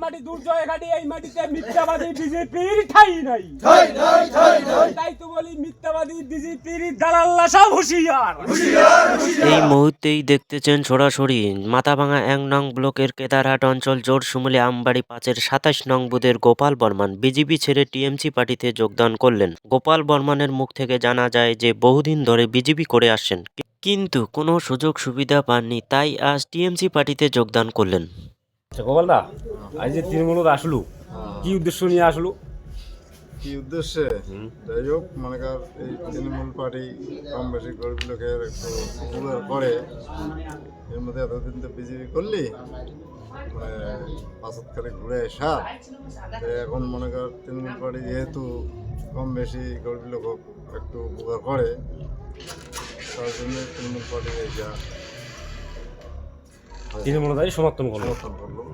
মাটি দুর্জয় ঘাটি, এই মাটিতে মিথ্যাবাদী বিজেপির ঠাঁই নাই। তাই তো বলি মিথ্যাবাদী বিজেপির দালাল্লা সব হুঁশিয়ার। এই মুহূর্তেই দেখতেছেন সরাসরি মাথাভাঙা ১ নং ব্লকের কেদারহাট অঞ্চল জোরশুমুলি আমবাড়ি ৫-এর ২৭ নং বুথের গোপাল বর্মন বিজেপি ছেড়ে টিএমসি পার্টিতে যোগদান করলেন। গোপাল বর্মনের মুখ থেকে জানা যায় যে বহুদিন ধরে বিজেপি করে আসছেন, কিন্তু কোনো সুযোগ সুবিধা পাননি, তাই আজ টিএমসি পার্টিতে যোগদান করলেন। গোপালদা, আজ যে তৃণমূলত আসলো, কি উদ্দেশ্য নিয়ে আসলো? কি উদ্দেশ্যে? যাই হোক, মনে কর এই তৃণমূল পার্টি কম বেশি গরিব লোকের একটু উপকার করে। এর মধ্যে এতদিন তো বিজেপি করলি, মানে পাঁচত করে ঘুরে আসা। এখন মনে কর তৃণমূল পার্টি যেহেতু কম বেশি গরিব লোক একটু উপকার করে, তার জন্য তৃণমূল পার্টি এইটা তৃণমূলতাই সমর্থন করলো। সমর্থন করলো।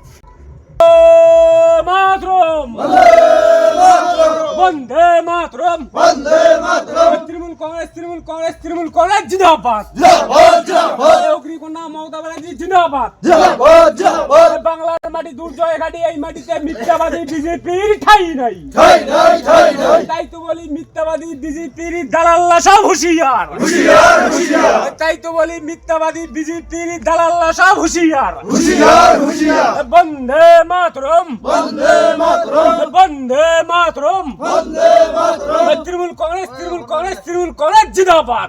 মাতরম বন্দে মাতরম, তৃণমূল কংগ্রেস, তৃণমূল কংগ্রেস, তৃণমূল কংগ্রেস জিন্দাবাদ। অগ্নিকন্যা মমতা ব্যানার্জি জিন্দাবাদ। বাংলার মাটি দুর্জয় ঘাটি, এই মাটিতে মিথ্যাবাদী বিজেপির ঠাঁই নাই। তাই তো বলি মিথ্যাবাদী বিজেপির দালাল্লা সব হুঁশিয়ার। তাই তো বলি মিথ্যাবাদী বিজেপির দালাল্লা সব হুঁশিয়ার। বন্দে মাতরম, বন্দে মাতরম, তৃণমূল কংগ্রেস, তৃণমূল কংগ্রেস, তৃণমূল কংগ্রেস জিন্দাবাদ।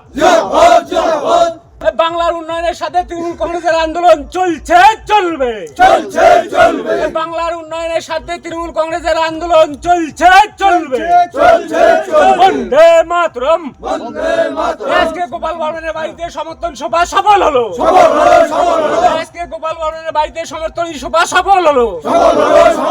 বাংলার উন্নয়নের সাথে তৃণমূল কংগ্রেসের আন্দোলন চলছে, চলবে। বাংলার উন্নয়নের সাথে তৃণমূল কংগ্রেসের আন্দোলন চলছে, চলবে। বন্দে মাতরম। আজকে গোপাল বর্মনের বাড়িতে সমর্থন সভা সফল হলো। আজকে গোপাল বর্মনের বাড়িতে সমর্থন সভা সফল হলো।